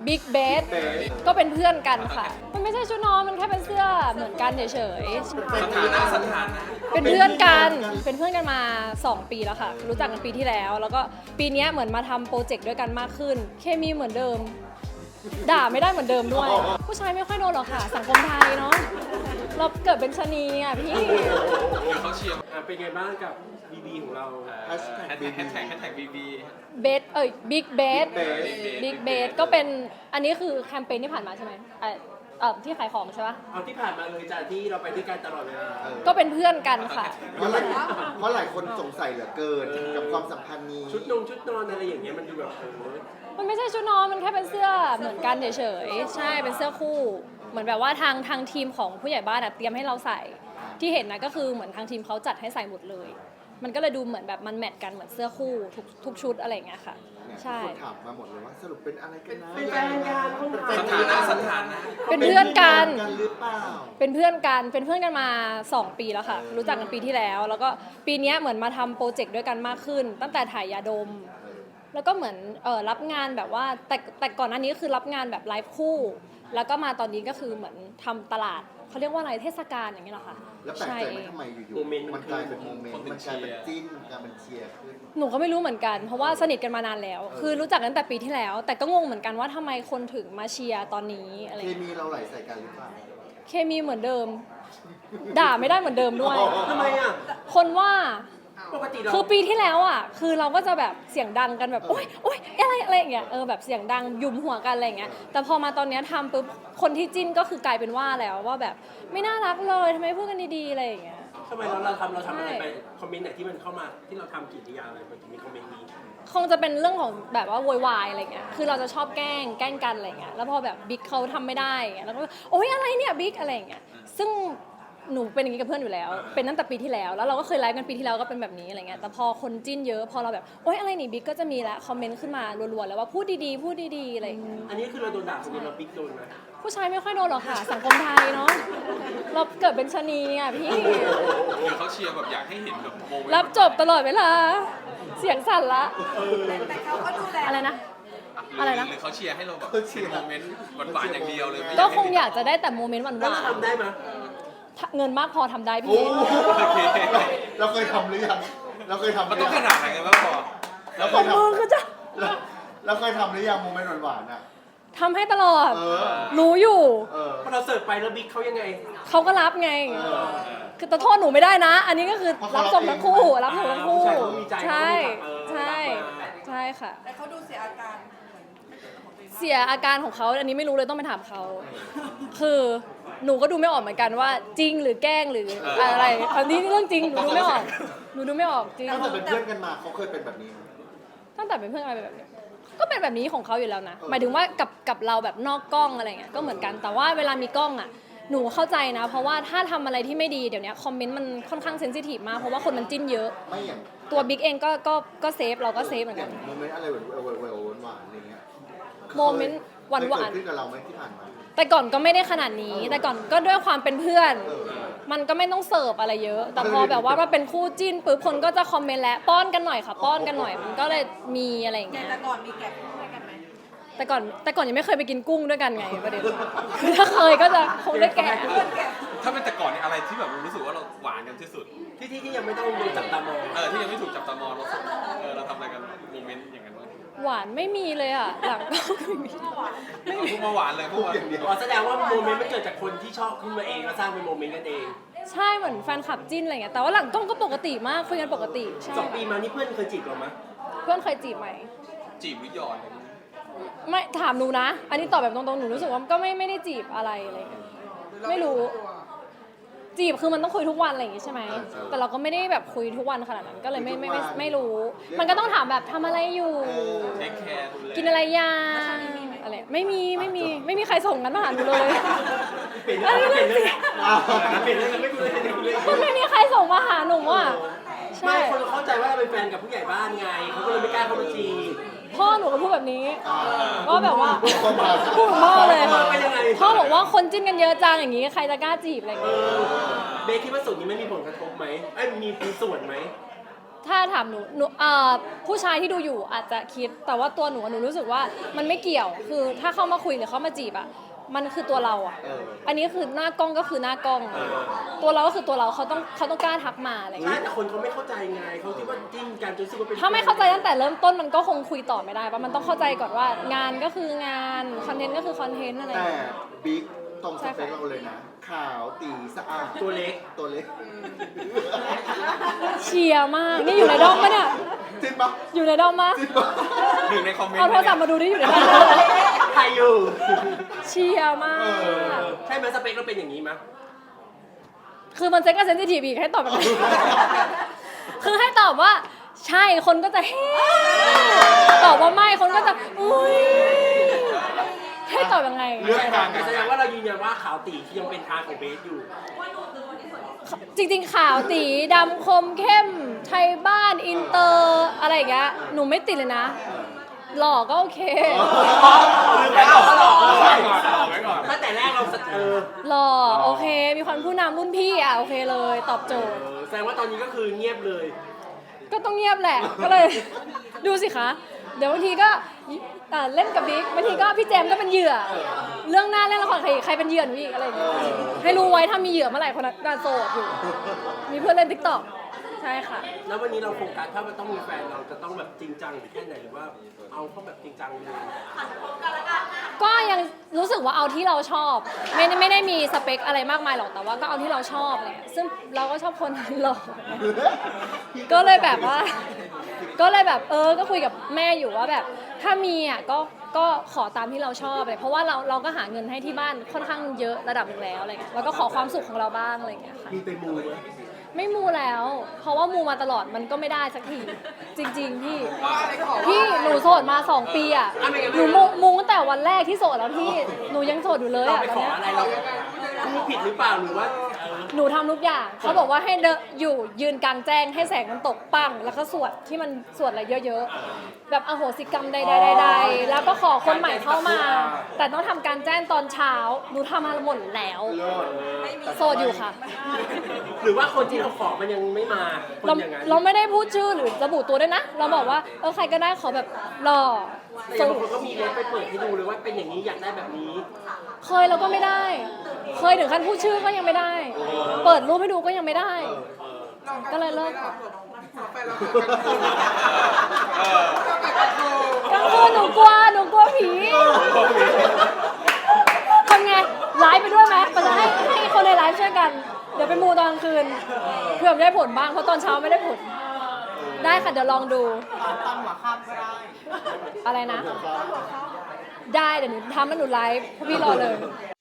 บิ๊กเบสก็เป็นเพื่อนกันค่ะมันไม่ใช่ชุดนอนมันแค่เป็นเสื้อเหมือนกันเฉยๆสถานะเป็นเพื่อนกันมา 2 ปีแล้วค่ะรู้จักกันปีที่แล้วแล้วก็ปีนี้เหมือนมาทำโปรเจกต์ด้วยกันมากขึ้นเคมีเหมือนเดิมด่าไม่ได้เหมือนเดิมด้วย ผู้ชายไม่ค่อยโดนหรอกค่ะสังคมไทยเนาะเราเกิดเป็นชะนีอ่ะพี่เดี๋ยวเขาเชียร์เป็นไงบ้างกับบีบีของเราแฮชแท็กบีบีเบสบิ๊กเบสบิ๊กเบสก็เป็นอันนี้คือแคมเปญที่ผ่านมาใช่ไหมที่ขายของใช่ปะเอาที่ผ่านมาเลยจากที่เราไปด้วยกันตลอดเวลาก็เป็นเพื่อนกันค่ะเพราะหลายคนสงสัยเหลือเกินกับความสัมพันธ์นี้ชุดนอนอะไรอย่างเงี้ยมันดูแบบมันไม่ใช่ชุดนอนมันแค่เป็นเสื้อเหมือนกันเฉยๆใช่เป็นเสื้อคู่เหมือนแบบว่าทางทีมของผู้ใหญ่บ้านเตรียมให้เราใส่ที่เห็นนะก็คือเหมือนทางทีมเขาจัดให้ใส่หมดเลยมันก็เลยดูเหมือนแบบมันแมทกันเหมือนเสื้อคู่ทุกชุดอะไรอย่างเงี้ยค่ะใช่คนถามมาหมดเลยว่าสรุปเป็นอะไรกันนะเป็นแฟนกันสถานะเป็นเพื่อนกันหรือเปล่าเป็นเพื่อนกันมา 2 ปีแล้วค่ะรู้จักกันปีที่แล้วแล้วก็ปีนี้เหมือนมาทำโปรเจกต์ด้วยกันมากขึ้น ตั้งแต่ถ่ายยาดมแล้วก็เหมือนรับงานแบบว่าแต่ก่อนหน้านี้ก็คือรับงานแบบไลฟ์คู่แล้วก็มาตอนนี้ก็คือเหมือนทำตลาดเขาเรียกว่าอะไรเทศกาลอย่างเงี้ยเหรอคะแล้วแปลกใจไหมทำไมอยู่ๆมันกลายเป็นโมเมนต์มันกลายเป็นจิ้นกลายเป็นเชียร์ขึ้นหนูก็ไม่รู้เหมือนกันเพราะว่าสนิทกันมานานแล้วคือรู้จักกันตั้งแต่ปีที่แล้ว แต่ก็งงเหมือนกันว่าทำไมคนถึงมาเชียร์ตอนนี้อะไรเคมีเราไหลใส่กันหรือเปล่าเคมีเหมือนเดิมด่าไม่ได้เหมือนเดิมด้วยทำไมอ่ะคนว่าปกติเราคือปีที่แล้วอ่ะคือเราก็จะแบบเสียงดังกันแบบโอ๊ยอะไรอย่างเงี้ยแบบเสียงดังยุมหัวกันอะไรอย่างเงี้ยแต่พอมาตอนเนี้ยทำปุ๊บคนที่จิ้นก็คือกลายเป็นว่าแล้วว่าแบบไม่น่ารักเลยทำไมพูดกันดีๆอะไรอย่างเงี้ยทำไมเราทำอะไรไปคอมเมนต์ไหนที่มันเข้ามาที่เราทำกิริยาอะไรมันถึงมีคอมเมนต์นี้คงจะเป็นเรื่องของแบบว่าโวยวายอะไรเงี้ยคือเราจะชอบแกล้งกันอะไรเงี้ยแล้วพอแบบบิ๊กเขาทำไม่ได้เงี้ยแล้วก็โอ๊ยอะไรเนี่ยบิ๊กอะไรเงี้ยซึ่งหนูเป็นอย่างนี้กับเพื่อนอยู่แล้วเป็นตั้งแต่ปีที่แล้วเราก็เคยไลฟ์กันปีที่แล้วก็เป็นแบบนี้อะไรเงี้ยแต่พอคนจิ้นเยอะพอเราแบบโอ๊ยอะไรนี่บิ๊กก็จะมีละคอมเมนต์ขึ้นมารัวๆแล้วว่าพูดดีๆอะไรอย่างเงี้ยอันนี้คือเราโดนด่าคนเดียวเราบิ๊กโดนไหมผู้ชายไม่ค่อยโดนหรอกค่ะสังคมไทยเนาะเราเกิดเป็นชะนีอ่ะพี่เดี๋ยวเขาเชียร์แบบอยากให้เห็นแบบโมเมนต์รับจบตลอดเวลาเสียงสั่นละแต่เขาก็ดูแลอะไรนะ อะไรนะหรือเขาเชียร์ให้เราแบบโมเมนต์หวานๆอย่างเดียวเลยไม่ก็ให้คงอยากจะได้แต่โมเมนต์หแล้ววาเรานทำได้ไหมๆเงินมากพอทำได้พี่โอเคเราเคยทำหรือยังเราเคยทำหมันรือต้องขยังนาดไหนกันบ้างพอเราเคขอยทมือคือจะำเราเคยทำหรือยังโมเมนต์หวานๆอ่ะทำให้ตลอดเออรู้อยู่พอเราเสิร์ฟไปแล้วบิ๊กเขายังไงเขาก็รับไง คือแต่โทษหนูไม่ได้นะ อันนี้ก็คือรับจบทั้งคู่รับจบทั้งคู่ ใช่ใช่ค่ะแต่เขาดูเสียอาการเสียอาการของเขาอันนี้ไม่รู้เลยต้องไปถามเขา คือหนูก็ดูไม่ออกเหมือนกันว่าจริงหรือแกล้งหรืออะไรอันนี้เรื่องจริงหนูดูไม่ออกจริงตั้งแต่เป็นเพื่อนกันมาเขาเคยเป็นแบบนี้ไหมตั้งแต่เป็นเพื่อนกันเป็นแบบนี้ก็เป็นแบบนี้ของเขาอยู่แล้วนะหมายถึงว่ากับเราแบบนอกกล้องอะไรเงี้ยก็เหมือนกันแต่ว่าเวลามีกล้องอ่ะหนูเข้าใจนะ เพราะว่าถ้าทำอะไรที่ไม่ดีเดี๋ยวนี้คอมเมนต์มันค่อนข้างเซนซิทีฟมากเพราะว่าคนมันจิ้นเยอะไม่อย่างตัวบิ๊กเองก็เซฟเราก็เซฟเหมือนกันโมเมนต์อะไรหวานๆอะไรเงี้ยโมเมนต์หวานเคยเกิดขึ้นกับเราไหมที่ผ่านมาๆแต่ก่อนก็ไม่ได้ขนาดนี้ แต่ก่อนก็ด้วยความเป็นเพื่อน มันก็ไม่ต้องเสิร์ฟอะไรเยอะ แต่พอแบบว่ามาเป็นคู่จิ้นปุ๊บคนก็จะคอมเมนต์แล้วป้อนกันหน่อยค่ะป้อนกันหน่อยมันก็เลยมีอะไรอย่างเงี้ยแต่ก่อนมีแก็บด้วยกันไหมแต่ก่อนยังไม่เคยไปกินกุ้งด้วยกันไงประเด็นคือถ้าเคยก็จะคงได้แกะถ้าเป็นแต่ก่อนเนี่ยอะไรที่แบบรู้สึกว่าเราหวานกันที่สุดที่ยังไม่ต้องโดนจับตามองที่ยังไม่ถูกจับตามองเราทำอะไรกันโมเมนต์อย่างนั้นบ้างหวานไม่มีเลยอ่ะหลังก็ไม่มีเอาพูดมาหวานเลยพูดมาอย่างเดียวแสดงว่าโมเมนต์มันเกิดจากคนที่ชอบขึ้นมาเองแล้วสร้างเป็นโมเมนต์กันเองใช่เหมือนแฟนคลับจิ้นอะไรเงี้ยแต่ว่าหลังกล้องก็ปกติมากคุยกันปกติใช่ 2 ปีมานี่เพื่อนเคยจีบเราไหมเพื่อนเคยจีบไหมจีบหรือหยอดอะไรอย่างเงี้ยไม่ถามหนูนะ อันนี้ตอบแบบตรงๆหนูรู้สึกว่าก็ไม่ได้จีบอะไรอะไรเงี้ยไม่รู้ จีบคือมันต้องคุยทุกวันอะไรอย่างงี้ใช่ไหมแต่เราก็ไม่ได้แบบคุยทุกวันขนาดนั้นก็เลยไม่รู้ มันก็ต้องถามแบบทำอะไรอยู่เทคแคร์ดูแลกินอะไรยังอะไรไม่มีใครส่งกันมาหาหนูเลยเปลี่ยนเรื่องไม่คุยเลยมันไม่มีใครส่งมาหาหนูอ่ะไม่ใช่คนเข้าใจว่าเราเป็นแฟนกับผู้ใหญ่บ้านไงเขาก็เลยไม่กล้าเข้ามาจีบพ่อหนูก็พูดแบบนี้ว่าแบบว่าพ่อมาพูดกับพ่อเลยเป็นยังไงพ่อบอกว่าคนจิ้นกันเยอะจังอย่างงี้ใครจะกล้าจีบอะไรอย่างเงี้ยเบคคิดว่าส่วนนี้ไม่มีผลกระทบไหมมีส่วนไหมถ้าถามหนูผู้ชายที่ดูอยู่อาจจะคิดแต่ว่าตัวหนูรู้สึกว่ามันไม่เกี่ยวคือถ้าเข้ามาคุยหรือเข้ามาจีบอ่ะมันคือตัวเราอ่ะอันนี้คือหน้ากล้องก็คือหน้ากล้องตัวเราก็คือตัวเราเขาต้องกล้าทักมาอะไรอย่างใช่เงี้ยแต่คนเขาไม่เข้าใจไงเขาคิดว่าจิ้นกันจนรู้สึกว่าเป็นถ้าไม่เข้าใจตั้งแต่เริ่มต้นมันก็คงคุยต่อไม่ได้ปะมันต้องเข้าใจก่อนว่างานก็คืองานคอนเทนต์ก็คือคอนเทนต์อะไรอย่างแต่เงี้ยบิ๊กตรงสเปคเราเลยนะ ขาวตีสะอาดตัวเล็กตัวเล็กเชียร์มากนี่อยู่ในด้อมปะเนี่ยจริงปะอยู่ในด้อมปะจริงปะหนึ่งในคอมเมนต์เอาโทรศัพท์มาดูดิอยู่ในด้อมปะใครอยู่เชียร์มากใช่ไหมสเปคเราเป็นอย่างนี้มั้ยคือมันเซ็กกับเซนซิทีฟอีกให้ตอบแบบไหน คือให้ตอบว่าใช่คนก็จะเฮ้ตอบว่าไม่คนก็จะอุ้ยให้ตอบยังไงเรื่องการแต่แสดงว่าเรายืนยันว่าขาวตีที่ยังเป็นทางของเบสอยู่จริงๆขาวตีดำคมเข้มไทยบ้านอินเตอร์อะไรอย่างเงี้ยหนูไม่ติดเลยนะ หล่อก็โอเคไม่เอาก็หลอกเอาไว้ก่อนเอาไว้ก่อนตั้งแต่แรกเราหล่อโอเค มีความผู้นำรุ่นพี่อ่ะโอเคเลยตอบโจทย์แสดงว่าตอนนี้ก็คือเงียบเลยก็ต้องเงียบแหละ ก็เลย ดูสิคะ เดี๋ยวบางทีก็เล่นกับบิ๊กบางทีก็พี่เจมส์ก็เป็นเหยื่อ เรื่องหน้าเล่นละครใครเป็นเหยื่อหนูอีกอะไรอย่างเงี้ยให้รู้ไว้ถ้ามีเหยื่อเมื่อไหร่คนนั้นก็โสดอยู่ มีเพื่อนเล่นติ๊กต็อกใช่ค่ะแล้ววันนี้เราโฟกัสถ้ามันต้องมีแฟนเราจะต้องแบบจริงจังหรือแค่ไหนหรือว่าเอาเขาแบบจริงจังเลยก็ยังรู้สึกว่าเอาที่เราชอบ ไม่ได้มีสเปคอะไรมากมายหรอกแต่ว่าก็เอาที่เราชอบอะไรเงี้ยซึ่งเราก็ชอบคนหล่อก็เลยแบบว่า ก็เลยแบบก็คุยกับแม่อยู่ว่าแบบถ้ามีอ่ะก็ขอตามที่เราชอบเลยเพราะว่าเราก็หาเงินให้ที่บ้านค่อนข้างเยอะระดับหนึงแล้วอะไรเงี้ยแล้วก็ขอความสุขของเราบ้างอะไรเงี้ยค่ะมีไปมูไหมไม่มูแล้ว เพราะว่ามูมาตลอดมันก็ไม่ได้สักที จริง ๆ พี่หนูโสดมา 2 ปีอ่ะหนูมูตั้งแต่วันแรกที่โสดแล้วพี่หนูยังโสดอยู่เลยเราอ่ะไปตอนขอเนี้ยอะไรเราพูดผิดหรือเปล่าหรือว่าหนูทำทุกอย่างเขาบอกว่าให้อยู่ยืนกลางแจ้งให้แสงมันตกปังแล้วก็สวดที่มันสวดอะไรเยอะๆแบบอโหสิกรรมใดๆๆแล้วก็ขอคนใหม่เข้ามา แต่ต้องทำการแจ้งตอนเช้าหนูทำมาหมดแล้วโสดอยู่ค่ะหรือว่าคนที่เราขอมันยังไม่มาคนเราอย่างนั้นเราไม่ได้พูดชื่อหรือระบุตัวด้วยนะ เราบอกว่าใครก็ได้ขอแบบหล่อแต่สูบางงคนก็มีเลนส์ไปเปิดให้ดูเลยว่าเป็นอย่างนี้อยากได้แบบนี้เคยเราก็ไม่ได้ เคยถึงขั้นพูดชื่อก็ยังไม่ได้ เปิดรูปให้ดูก็ยังไม่ได้ ก็เลยเลิกกลางคืนหนูกลัวผีทำไงไลฟ์ไปด้วยไหมมันจะให้คนในไลฟ์ช่วยกัน เดี๋ยวไปมูตอนกลางคืนเผื่อมันได้ผลบ้างเพราะตอนเช้าไม่ได้ผล ได้ค่ะเดี๋ยวลองดูอะไรนะ ได้เดี๋ยวหนูทำแล้วหนูไลฟ์พี่รอเลย